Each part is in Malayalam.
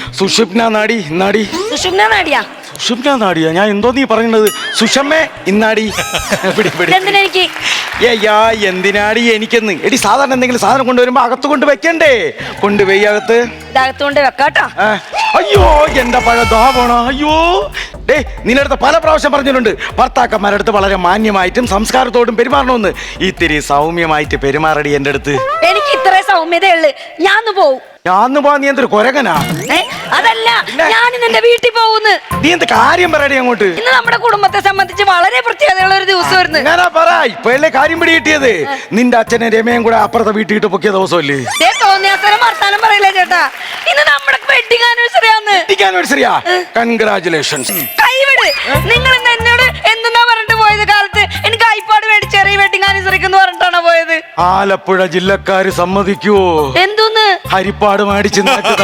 സുഷുപ്ന നാടി ഇന്നാടി. സുഷുമ്ന നാടിയാ? സുഷുപ്ന നാടിയാ? ഞാൻ എന്തോ നീ പറയുന്നത്? സുഷമ്മേ ഇന്നാടി. എന്തിനെനിക്ക്? ഏയ്യാ എന്തിനാടി എനിക്കെന്ന്? എടി സാധാരണ എന്തെങ്കിലും സാധനം കൊണ്ടുവരുമ്പോ അകത്ത് കൊണ്ട് വെക്കണ്ടേ? കൊണ്ടുപോയി അകത്ത്. ഇതകത്ത് കൊണ്ട് വെക്കാട്ടോ. അയ്യോ എന്റെ പഴ ദാ പോണോ. അയ്യോ ഡേ, നിന്നടുത്ത് പല പ്രാവശ്യം പറഞ്ഞിട്ടുണ്ട് ഭർത്താക്കന്മാരടുത്ത് വളരെ മാന്യമായിട്ടും സംസ്കാരത്തോടും പെരുമാറണമെന്ന്. ഇത്തിരി സൗമ്യമായിട്ട് പെരുമാറടി എന്റെ അടുത്ത്. എനിക്ക് ഇത്ര സൗമ്യതയുള്ളു. ഞാൻ പോവും. ഞാൻ പോവാ? നീ എന്തൊരു കൊരകനാ? അതല്ല, ഞാൻ നിന്റെ വീട്ടിൽ പോകുന്നു. നീ എന്ത് കാര്യം പറയടി അങ്ങോട്ട്? ഇന്ന് നമ്മുടെ കുടുംബത്തെ സംബന്ധിച്ച് വളരെ പ്രത്യേകതയുള്ള ഒരു ദിവസമായിരുന്നു. ഞാനാ പറ ഇപ്പഴല്ലേ കാര്യം പിടി കിട്ടിയത്. നിന്റെ അച്ഛനെ രമയും കൂടെ അപ്പുറത്തെ വീട്ടിൽ ഇട്ട് പൊക്കിയ ദിവസമല്ലേ? തോന്നിയാത്തരം വർത്താനം പറയില്ല ചേട്ടാ. ഇന്ന് നമ്മുടെ വെഡിങ് ആനിവേഴ്സറിയാ. കൺഗ്രാചുലേഷൻസ്. കൈവിട്. നിങ്ങൾ ഇന്ന് എന്നോട് എന്തെന്നാ പറഞ്ഞിട്ട് പോയത്? കാലത്ത് എനിക്ക് ഐപാഡ് മേടിച്ചേറി വെഡിങ് ആനിവേഴ്സറിക്ക് എന്ന് പറഞ്ഞിട്ടാണോ പോയത്? ആലപ്പുഴ ജില്ലക്കാര് സമ്മതിക്കുവോ? എന്തോന്ന് ഹരിപ്പാട് മേടിച്ച്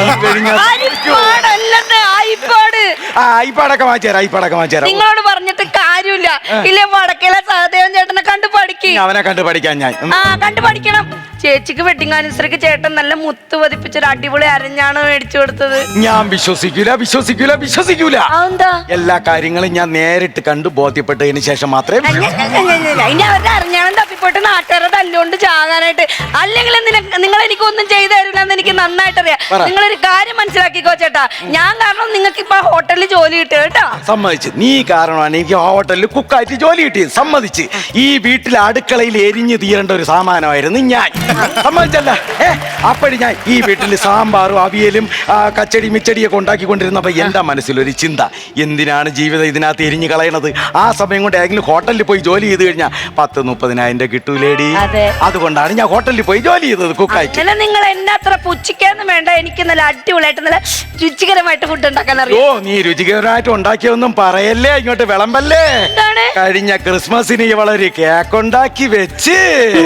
ഐപാടൊക്കെ വാങ്ങിച്ചേരാ. നിങ്ങളോട് പറഞ്ഞിട്ട് കാര്യമില്ല. ഇല്ലേ വടക്കേലെ സഹദേവൻ ചേട്ടനെ കണ്ടു പഠിക്കും. അവനെ കണ്ടു പഠിക്കാൻ ഞാൻ കണ്ടു പഠിക്കണം. ചേച്ചിക്ക് വെഡിങ് ആനിവേഴ്സറിക്ക് ചേട്ടൻ നല്ല മുത്ത് പതിപ്പിച്ചൊരു അടിപൊളി അരഞ്ഞാണ് മേടിച്ചു കൊടുത്തത്. ഞാൻ വിശ്വസിക്കൂല. എല്ലാ കാര്യങ്ങളും ഞാൻ നേരിട്ട് കണ്ടു ബോധ്യപ്പെട്ടതിന് ശേഷം മാത്രമേ. അവരുടെ അരഞ്ഞാണം തപ്പിപ്പോട്ട് നാട്ടുകാരെ തല്ലുകൊണ്ട് ചാകാനായിട്ട്. അല്ലെങ്കിൽ നിങ്ങൾ എനിക്കൊന്നും ചെയ്തു തരില്ല എന്ന് എനിക്ക് നന്നായിട്ട് അറിയാം. നിങ്ങളൊരു കാര്യം മനസ്സിലാക്കിക്കോ ചേട്ടാ. ഞാൻ കാരണം നിങ്ങൾക്ക് ഇപ്പൊ ഹോട്ടലിൽ ജോലി കിട്ടുക കേട്ടോ. സമ്മതിച്ച്. നീ കാരണമാണ് എനിക്ക് ഹോട്ടലിൽ കുക്കായിട്ട് ജോലി കിട്ടിയത്. സമ്മതിച്ച്. ഈ വീട്ടിലെ അടുക്കളയിൽ എരിഞ്ഞു തീരേണ്ട ഒരു സാമാനമായിരുന്നു ഞാൻ. സമ്മതിച്ചല്ല? അപ്പഴി ഞാൻ ഈ വീട്ടിൽ സാമ്പാറും അവിയലും കച്ചടി മിച്ചടിയൊക്കെ ഉണ്ടാക്കിക്കൊണ്ടിരുന്നപ്പോ എന്റെ മനസ്സിലൊരു ചിന്ത, എന്തിനാണ് ജീവിതം ഇതിനകത്ത് എരിഞ്ഞു കളയണത്? ആ സമയം കൊണ്ട് ഏതെങ്കിലും ഹോട്ടലിൽ പോയി ജോലി ചെയ്ത് കഴിഞ്ഞാൽ 10-30,000 കിട്ടൂലേടി. അതുകൊണ്ടാണ് ഞാൻ ഹോട്ടലിൽ പോയി ജോലി ചെയ്തത് കുക്കായിട്ട്. നിങ്ങൾ എന്നെ അത്ര പുച്ഛിക്കാന്നും വേണ്ട. എനിക്ക് നല്ല അടിപൊളിയായിട്ട് നല്ല രുചികരമായിട്ട് ഫുഡ് ഉണ്ടാക്കാൻ അറിയാം. ഓ, നീ രുചികരമായിട്ട് ഉണ്ടാക്കിയൊന്നും പറയല്ലേ, ഇങ്ങോട്ട് വിളമ്പല്ലേ. കഴിഞ്ഞ ക്രിസ്മസിന് ഇവളൊരു കേക്ക് ഉണ്ടാക്കി വെച്ച്.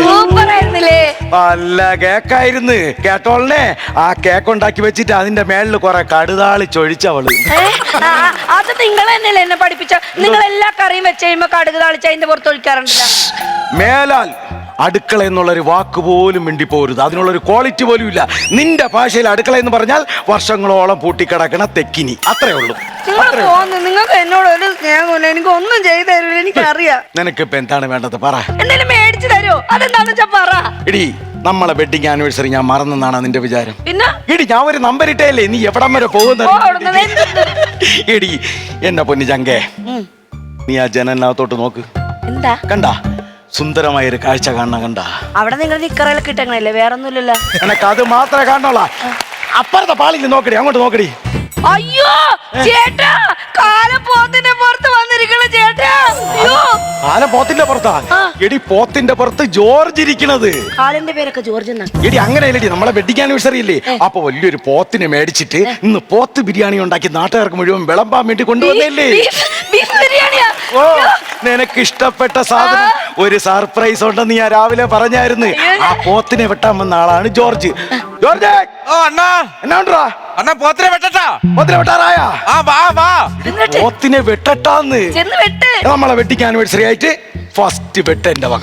നല്ല കേക്കായിരുന്നു കേട്ടോളനെ. ആ കേക്ക് ഉണ്ടാക്കി വെച്ചിട്ട് അതിന്റെ മേളിൽ കുറെ കടുതാളി ചൊഴിച്ചവള്. അത് നിങ്ങൾ തന്നെയല്ലേ എന്നെ പഠിപ്പിച്ച? നിങ്ങൾ എല്ലാ കറിയും വെച്ച് കഴിയുമ്പോ കടുക് താളിച്ച് അതിന്റെ പുറത്ത് ഒഴിക്കാറുണ്ടല്ലോ. മേലാൽ അടുക്കള എന്നുള്ളൊരു വാക്ക് പോലും മിണ്ടിപ്പോരുത്. അതിനുള്ളൊരു ക്വാളിറ്റി പോലും ഇല്ല. നിന്റെ ഭാഷയിൽ അടുക്കള എന്ന് പറഞ്ഞാൽ വർഷങ്ങളോളം പൂട്ടിക്കിടക്കണ തെക്കിനി. അത്രേ ഉള്ളൂ. നിങ്ങൾക്ക് എന്നോട് ഒരു സ്നേഹമില്ല. എനിക്ക് ഒന്നും ചെയ്തു തരില്ല. എനിക്കറിയാം. നിനക്കിപ്പോ എന്താണ് വേണ്ടത്? പറ. എന്തെങ്കിലും മേടിച്ചു തരുമോ? അതെന്താണെന്ന് വെച്ചാ പറ. എടി, നമ്മളെ വെഡിങ് ആനിവേഴ്സറി ഞാൻ മറന്നെന്നാണ് നിന്റെ വിചാരം? പിന്നെ എടി, ഞാൻ ഒരു നമ്പർ ഇട്ടേല്ലേ നീ എവിടം വരെ പോകുന്നത്? എടി എന്നെ പൊന്നു ചങ്കേ, നീ ആ ജനലിനകത്തോട്ട് നോക്ക്. എന്താ കണ്ടാ? സുന്ദരമായ ഒരു കാഴ്ച കാണണം. കണ്ടാ? അവിടെ നിങ്ങൾ നിക്കറയിലൊക്കെ ഇട്ടങ്ങളല്ലേ? വേറൊന്നുമില്ലല്ലോ. എനക്ക് അത് മാത്രമേ കാണുള്ള. അപ്പുറത്തെ പാളിൽ നോക്കടി, അങ്ങോട്ട് നോക്കടി. അയ്യോ ചേട്ടാ, കാലം പോത്തിന്റെ പുറത്ത് വന്നിരിക്കണ ചേട്ടാ. കാലം പോത്തിന്റെ പുറത്താ? എടി, പോത്തിന്റെ പുറത്ത് ജോർജ് ഇരിക്കണത്. കാലിന്റെ പേരൊക്കെ ജോർജ് എന്നാ. എടി, അങ്ങനെയല്ലടി. നമ്മളെ വെഡിങ് ആനിവേഴ്സറി ഇല്ലേ, അപ്പൊ വലിയൊരു പോത്തിനെ മേടിച്ചിട്ട് ഇന്ന് പോത്ത് ബിരിയാണി ഉണ്ടാക്കി നാട്ടുകാർക്ക് മുഴുവൻ വിളമ്പാൻ വേണ്ടി കൊണ്ടുവന്നല്ലേ. ഓ, നിനക്ക് ഇഷ്ടപ്പെട്ട സാധനം ഒരു സർപ്രൈസ് ഉണ്ടെന്ന് ഞാൻ രാവിലെ പറഞ്ഞായിരുന്നു. ആ പോത്തിനെ വെട്ടാൻ വന്ന ആളാണ് ജോർജ്. ജോർജ്, എന്നാ അണ്ണാ പോത്തിനെ വെട്ടട്ടാ? പോത്തിനെ വെട്ടാറായാ? പോത്തിനെ വെട്ടട്ടാന്ന്. നമ്മളെ വെഡിങ് ആനിവേഴ്സറി ആയിട്ട് ഫസ്റ്റ് വെട്ട എന്റെ വക.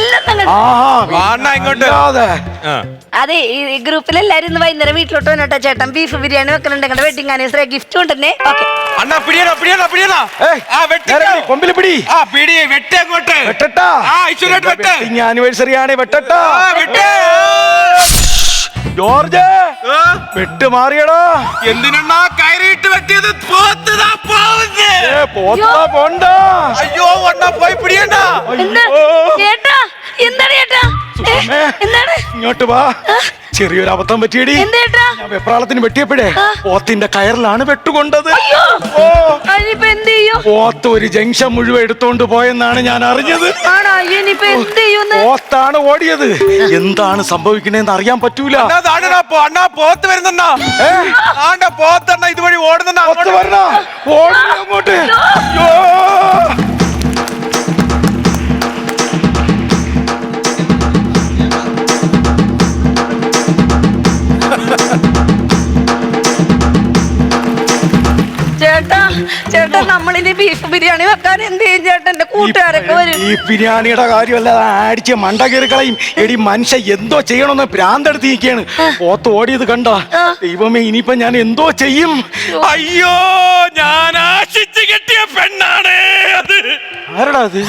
അതെ, ഈ ഗ്രൂപ്പിലെല്ലാരും ഇന്ന് വൈകുന്നേരം വീട്ടിലോട്ട് വന്നോട്ടെ ചേട്ടൻ. ബീഫ് ബിരിയാണി വെക്കലുണ്ട്. വെഡിങ് ആനിവേഴ്സറി ഗിഫ്റ്റ് കൊണ്ടുതന്നെ. അണ്ണാ പിടിയണോ പിടിയണോ പിടിയണോ? കൊമ്പില് പിടി. വെട്ടട്ടാ. വെഡിങ് ആനിവേഴ്സറി ആണ്. വെട്ടട്ടാ. ജോർജ്, വെട്ട് മാറിയടാ. എന്തിനാ കയറിയിട്ട് വെട്ടിയത്? പോണ്ട. അയ്യോ അണ്ണാ, പോയി പിടിയണ്ട. ചേട്ടാ, എന്താണ് ചേട്ടാ? ഇങ്ങോട്ട് വാ. ചെറിയൊരു അബദ്ധം പറ്റിയടി. ഞാൻ വെപ്രാളത്തിന് വെട്ടിയപ്പോഴേ പോത്തിന്റെ കയറിലാണ് വെട്ടുകൊണ്ടത്. പോത്ത് ഒരു ജംഗ്ഷൻ മുഴുവൻ എടുത്തോണ്ട് പോയെന്നാണ് ഞാൻ അറിഞ്ഞത്. പോത്താണ് ഓടിയത്. എന്താണ് സംഭവിക്കണേന്ന് അറിയാൻ പറ്റൂല. അണ്ണാ പോത്ത് വരുന്ന പോത്തണ്ണ ഇതുവഴി ഓടുന്ന അങ്ങോട്ട്. ചേട്ടാ, ചേട്ടാ, നമ്മളിനി ബീഫ് ബിരിയാണി വെക്കാൻ എന്ത് ചെയ്യും ചേട്ടൻ? എന്റെ കൂട്ടുകാരൊക്കെ വരും. ഈ ബിരിയാണിയുടെ കാര്യമല്ല, അടിച്ച് മണ്ട കയറി കളയും. എടി മനുഷ്യ എന്തോ ചെയ്യണമെന്ന് ഭ്രാന്തെടുത്ത് നിൽക്കുകയാണ്. പോത്ത് ഓടിയത് കണ്ട ദൈവമേ, ഇനിയിപ്പോ ഞാൻ എന്തോ ചെയ്യും? അയ്യോ, ഞാൻ ആശിച്ചു കെട്ടിയ പെണ്ണാണ് അത്. ആരടാ അത്?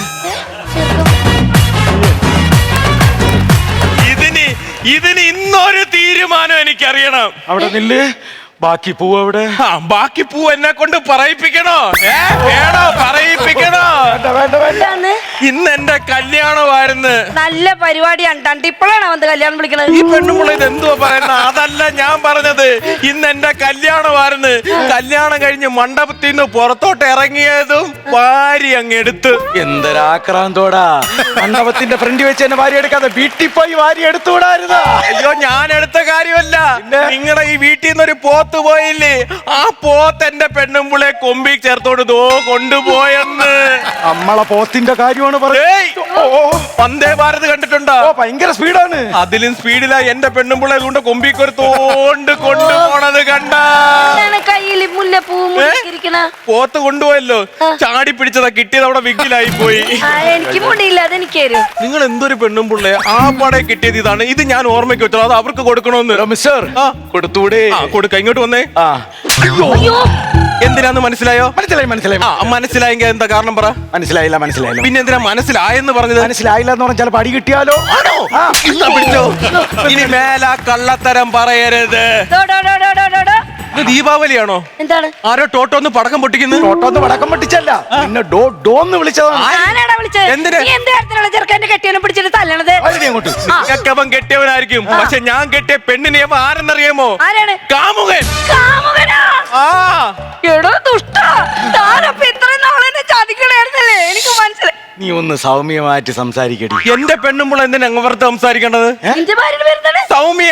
ഇതിന് ഇന്നൊരു തീരുമാനം എനിക്കറിയണം. അവിടെ നില്ല്. ബാക്കി പൂവ് അവിടെ. ബാക്കി പൂ എന്നെ കൊണ്ട് പറയിപ്പിക്കണോ? വേണോ? പറയിപ്പിക്കണോ? എന്താന്ന്? ഇന്ന് എന്റെ കല്യാണമായിരുന്നു. നല്ല പരിപാടിയാണ്. ഇപ്പോഴാണ് അവന്റെ കല്യാണം വിളിക്കണത്. ഈ പെണ്ണുമുള്ള ഇത് എന്തുവാ പറയുന്നത്? അതല്ല ഞാൻ പറഞ്ഞത്. ഇന്ന് എന്റെ കല്യാണമായിരുന്നു. കല്യാണം കഴിഞ്ഞ് മണ്ഡപത്തിൽ നിന്ന് പുറത്തോട്ട് ഇറങ്ങിയതും ഭാര്യ അങ്ങ് എടുത്ത്. എന്തൊരാക്രാന്തോടാ! മണ്ഡപത്തിന്റെ ഫ്രണ്ട് വെച്ച് എന്നെ ഭാര്യ എടുക്കാതെ വീട്ടിൽ പോയി ഭാര്യ എടുത്തുകൂടായിരുന്നോ? അയ്യോ, ഞാൻ എടുത്ത കാര്യമല്ല. നിങ്ങളുടെ ഈ വീട്ടിൽ നിന്നൊരു പോത്ത് പോയില്ലേ, ആ പോത്ത് എന്റെ പെണ്ണുമ്പുളെ കൊമ്പി ചേർത്തോണ്ട് ദോ കൊണ്ടുപോയെന്ന്. നമ്മളെ പോത്തിന്റെ കാര്യമാണ് വന്ദേ ഭാരത് കണ്ടിട്ടുണ്ടോ? ഭയങ്കര സ്പീഡാണ്. അതിലും സ്പീഡിലാ എന്റെ പെണ്ണുമ്പുളെ കൊണ്ട് കൊമ്പിക്കൊരു തോണ്ട് കൊണ്ടുപോണത് കണ്ട. കയ്യിൽ മുല്ലപ്പൂ പോത്ത് കൊണ്ടുപോയല്ലോ, ചാടി പിടിച്ചതാ. കിട്ടിയത് അവിടെ വിഗിലായി പോയി. എനിക്ക് മുടിയില്ല, അതെനിക്ക്. നിങ്ങൾ എന്തൊരു പെണ്ണുമ്പുള്ളേ, ആ പടെ കിട്ടിയത് ഇതാണ്. ഇത് ഞാൻ ഓർമ്മയ്ക്ക് വെച്ചോ, അത് അവർക്ക് കൊടുക്കണമെന്ന്. മിസ്റ്റർ, കൊടുത്തൂടെ? കൊടുക്ക, ഇങ്ങോട്ട് വന്നേ. അയ്യോ, എന്തിനാന്ന് മനസ്സിലായോ? മനസ്സിലായെങ്കിൽ എന്താ കാരണം പറ. മനസ്സിലായില്ല. പിന്നെ എന്തിനാ മനസ്സിലായെന്ന് പറഞ്ഞത്? മനസ്സിലായില്ല എന്ന് പറഞ്ഞാൽ ചിലപ്പോൾ അടി കിട്ടിയാലോ? പിടിച്ചോ. ഇനി മേല കള്ളത്തരം പറയരുത്. ഇത് ദീപാവലിയാണോ? എന്താണ്? ആരോ ടോട്ടോന്ന് പടക്കം പൊട്ടിക്കുന്നു. ടോട്ടോന്ന് പടക്കം പൊട്ടിച്ചല്ല, പിന്നെ ഡോന്ന് വിളിച്ചതാണ്. അവൻ കെട്ടിയവനായിരിക്കും, പക്ഷെ ഞാൻ കെട്ടിയ പെണ്ണിനെ അവൻ ആരെന്നറിയാമോ? കാമുകൻ. എനിക്ക് മനസ്സിലായി. നീ ഒന്ന് സൗമ്യമായിട്ട് സംസാരിക്കടി. എന്റെ പെണ്ണുമ്പോൾ എന്തിനാ അങ്ങ് സംസാരിക്കേണ്ടത്? സൗമ്യ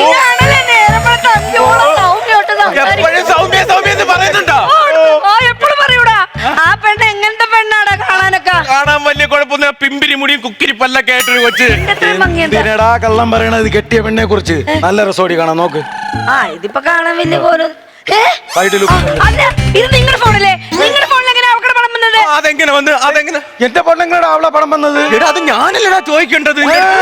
എപ്പോഴും സൗമ്യ സൗമ്യ എന്ന് പറയുന്നുണ്ടോ? എപ്പോഴും പറയൂടാ. ആ പെണ്ണ് എങ്ങനത്തെ പെണ്ണാടാ കാണാനൊക്കെ? കാണാൻ വലിയ കുഴപ്പമൊന്നും, പിമ്പിരി മുടിയും കുക്കിരി പല്ലൊക്കെ ആയിട്ടൊരു കൊച്ച്. എന്തിനടാ കള്ളം പറയണത്? കെട്ടിയ പെണ്ണെ കുറിച്ച് നല്ല രസോടി കാണാൻ നോക്ക്. ഇതിപ്പോ കാണാൻ വലിയ പോലെ. ഇത് നിങ്ങളുടെ ഫോണിലെ നിങ്ങളുടെ ഫോണിൽ എങ്ങനെ അവക്കടെ പണം വന്നത്? അതെങ്ങനെ വന്ന്? അതെങ്ങനെ എന്റെ പെണ്ണെങ്ങനെയാ അവളെ പണം വന്നത്? അത് ഞാനല്ലടാ ചോദിക്കേണ്ടത്.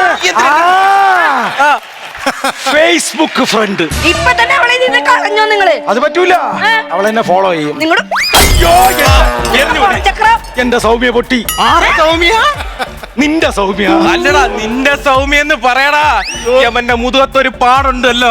Facebook friend. ഇപ്പൊ തന്നെ അവളെ നിന്ന് കളഞ്ഞോ നിങ്ങള്? അത് പറ്റൂല, അവളെന്നെ ഫോളോ ചെയ്യും. നിങ്ങളുടെ എന്റെ സൗമ്യ പൊട്ടി. സൗമ്യ? നിന്റെ സൗമ്യ അല്ലടാ, നിന്റെ സൗമ്യ എന്ന് പറയടാ. അവന്റെ മുതുകത്തൊരു പാടുണ്ടല്ലോ.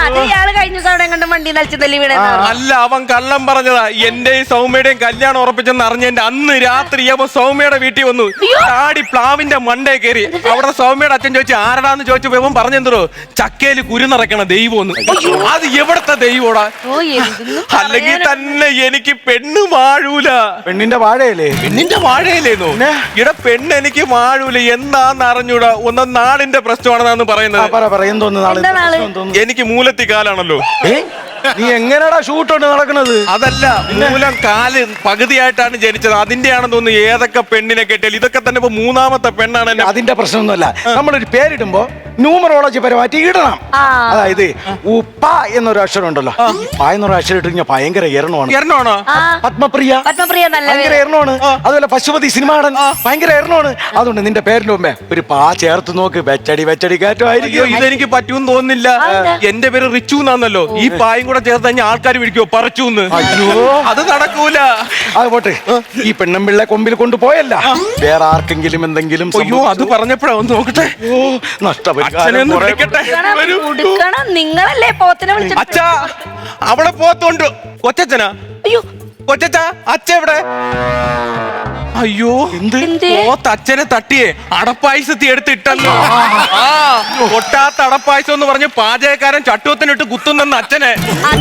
അല്ല, അവൻ കള്ളം പറഞ്ഞതാ. എന്റെ സൗമ്യയുടെയും കല്യാണം ഉറപ്പിച്ചെന്ന് അറിഞ്ഞെന്റെ അന്ന് രാത്രി അവൻ സൗമ്യയുടെ വീട്ടിൽ വന്നു. ചാടി പ്ലാവിന്റെ മണ്ടേ കയറി. അവിടെ സൗമ്യയുടെ അച്ഛൻ ചോദിച്ചു ആരടാന്ന് ചോദിച്ചപ്പോ ഇവൻ പറഞ്ഞെന്തോ ചക്കയില് കുരുനിറക്കണ ദൈവം. അത് എവിടത്തെ ദൈവോടാ? അല്ലെങ്കിൽ തന്നെ എനിക്ക് പെണ്ണ് വാഴൂല. പെണ്ണിന്റെ വാഴയല്ലേ? പെണ്ണിന്റെ വാഴയല്ലേന്നോ? ഇവിടെ പെണ്ണ് എനിക്ക് വാഴൂല. എന്താന്ന് അറിഞ്ഞൂടാ. ഒന്നും നാടിന്റെ പ്രശ്നമാണെന്നാണ് പറയുന്നത്. എനിക്ക് മൂലത്തി കാലാണല്ലോ. നീ എങ്ങനെയാടാ ഷൂട്ടുണ്ട് നടക്കുന്നത്? അതല്ല, മൂലം കാല് പകുതിയായിട്ടാണ് ജനിച്ചത്. അതിന്റെയാണെന്ന് തോന്നുന്നു. ഏതൊക്കെ പെണ്ണിനെ കെട്ടിയാൽ ഇതൊക്കെ തന്നെ ഇപ്പൊ മൂന്നാമത്തെ പെണ്ണാണ്. അതിന്റെ പ്രശ്നമൊന്നുമല്ല. നമ്മളൊരു പേരിടുമ്പോ ന്യൂമറോളജി പരമായിട്ട് ഇടണം. അതായത് ഉപ്പ എന്നൊരു അക്ഷരം ഉണ്ടല്ലോ, പ എന്നൊരു അക്ഷരം ഇട്ട് കഴിഞ്ഞാൽ ഭയങ്കര എരണമാണ്. പത്മപ്രിയ ഭയങ്കര എരണമാണ്. അതുപോലെ പശുപതി സിനിമാടൻ ഭയങ്കര എരണമാണ്. അതുകൊണ്ട് നിന്റെ പേരിന്റെ മുമ്പേ ഒരു പാ ചേർത്ത് നോക്ക്. വെച്ചടി കയറ്റമായിരിക്കും. ഇതെനിക്ക് പറ്റൂന്ന് തോന്നുന്നില്ല. എന്റെ പേര് റിച്ചു എന്നാന്നല്ലോ. ഈ പായും കൂടെ ചേർത്ത് കഴിഞ്ഞാൽ ആൾക്കാർ വിളിക്കോ പറച്ചൂന്ന്. അയ്യോ, അത് നടക്കൂല. അത് പോട്ടെ. ഈ പെണ്ണമ്പിള്ളെ കൊമ്പിൽ കൊണ്ടുപോയല്ല, വേറെ ആർക്കെങ്കിലും എന്തെങ്കിലും? അയ്യോ, അത് പറഞ്ഞപ്പോഴാ ഒന്ന് നോക്കട്ടെ. നിങ്ങളല്ലേ പോത്തിനെ വിളിച്ചത്? അച്ഛാ, അവിടെ പോത്തുണ്ട്. കൊച്ചച്ഛനാ? അയ്യോ, കൊച്ചച്ഛ, അച്ഛ എവിടെ? അയ്യോ, പോത്ത് അച്ഛനെ തട്ടിയേ അടപ്പായസത്തി എടുത്തിട്ടല്ലോ. പൊട്ടാത്ത അടപ്പായസം എന്ന് പറഞ്ഞ് പാചകക്കാരൻ ചട്ടുവത്തിനിട്ട് കുത്തുന്നെന്ന് അച്ഛനെ.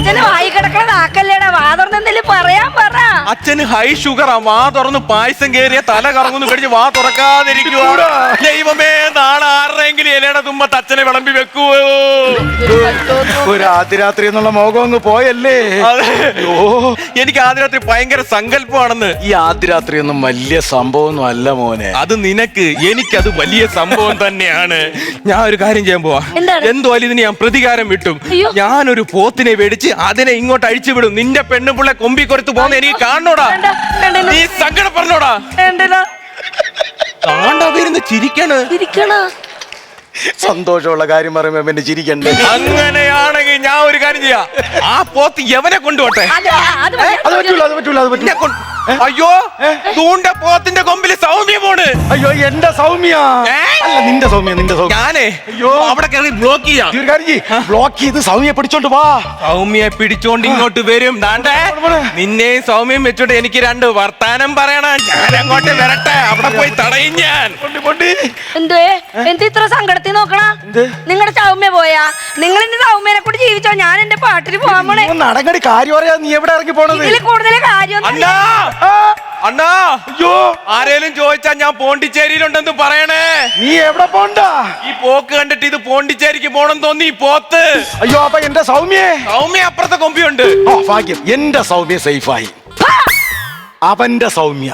അച്ഛന് ഹൈ ഷുഗറാ. വാ തുറന്ന് പായസം കേറിയ തല കറങ്ങുന്നു കഴിഞ്ഞ് വാ തുറക്കാതിരിക്കുക. ദൈവമേ, നാളെ ആരുടെയെങ്കിലും ഇലയുടെ തുമ്പത്ത് അച്ഛനെ വിളമ്പി വെക്കുവോ? ഒരു ആദ്യരാത്രി എന്നുള്ള മോഹം അങ്ങ് പോയല്ലേ? എനിക്ക് ആദ്യരാത്രി ഭയങ്കര സങ്കല്പമാണെന്ന്. ഈ ആദ്യരാത്രി ഒന്നും വലിയ സംഭവമൊന്നും അല്ല മോനെ. അത് നിനക്ക്, എനിക്കത് വലിയ സംഭവം തന്നെയാണ്. ഞാൻ ഒരു കാര്യം ചെയ്യാൻ പോവാ. എന്തോ ഇതിന് ഞാൻ പ്രതികാരം വിട്ടും. ഞാനൊരു പോത്തിനെ മേടിച്ച് അതിനെ ഇങ്ങോട്ട് അഴിച്ചു വിടും. നിന്റെ പെണ്ണുപിള്ളെ കൊമ്പി കൊടുത്ത് പോകുന്ന എനിക്ക് കാണാൻ കാണണോടാ വേണ്ട, വേണ്ട, നീ സങ്കടം പറഞ്ഞോടാ വേണ്ടല്ലോ. കാണ്ടവരുന്ന് ചിരിക്കണ് ഇരിക്കണ സന്തോഷമുള്ള കാര്യം പറയുമ്പോ പിന്നെ ചിരിക്കണ്ടേ? അങ്ങനെയാണെങ്കിൽ ഞാൻ ഒരു കാര്യം ചെയ്യാം, ആ പോത്ത് എവനെ കൊണ്ടുപോട്ടെ. അത് മതി. അത് പറ്റൂല, അത് പറ്റൂല, അത് എന്നെ പറ്റൂല. കൊണ്ട്- അയ്യോ തൂണ്ട പോത്തിന്റെ കൊമ്പില് സൗമ്യ പോണ്. അയ്യോ എന്റെ സൗമ്യ. ഏ? അല്ല നിന്റെ സൗമ്യ, നിന്റെ സൗമ്യ. ഞാനേ അയ്യോ. അവിടെ കയറി ബ്ലോക്ക് ചെയ്യാം. ഈ ഒരു കാര്യം ചെയ്യ്, ബ്ലോക്ക് ചെയ്ത് സൗമ്യ പിടിച്ചോണ്ട് വാ. സൗമ്യയെ പിടിച്ചോണ്ട് ഇങ്ങോട്ട് വരും. ദാണ്ടേ നിന്നെയും സൗമ്യം വെച്ചോണ്ട് എനിക്ക് രണ്ട് വർത്താനം പറയണം. ഞാൻ അങ്ങോട്ട് വരട്ടെ, അവിടെ പോയി തടയും ഞാൻ. എന്തേ എന്ത് ഇത്ര സങ്കടത്തിൽ നോക്കണ? എന്ത്? നിങ്ങളുടെ സൗമ്യ പോയാ? നിങ്ങൾ എന്റെ സൗമ്യനെ കൂടി ജീവിച്ചോ, ഞാൻ എന്റെ പാട്ടിന് പോവാൻ പോണേ. നടങ്ങടി കാര്യം പറയാ, നീ എവിടെ ഇറങ്ങി പോണത്? ഇതിൽ കൂടുതൽ കാര്യം അണ്ണാ അണ്ണാ, അയ്യോ ആരേലും ചോദിച്ചാ ഞാൻ പോണ്ടിച്ചേരിയിലുണ്ടെന്ന് പറയണേ. നീ എവിടെ പോണ്ട? ഈ പോക്ക് കണ്ടിട്ട് ഇത് പോണ്ടിച്ചേരിക്ക് പോണം തോന്നി ഈ പോത്ത്. അയ്യോ അപ്പൊ എന്റെ സൗമ്യേ? സൗമ്യ അപ്പുറത്തെ കൊമ്പിയുണ്ട്. ഓ ഭാഗ്യം, എന്റെ സൗമ്യ സേഫായി. അവന്റെ സൗമ്യ.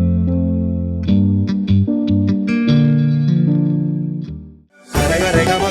Rega, rega,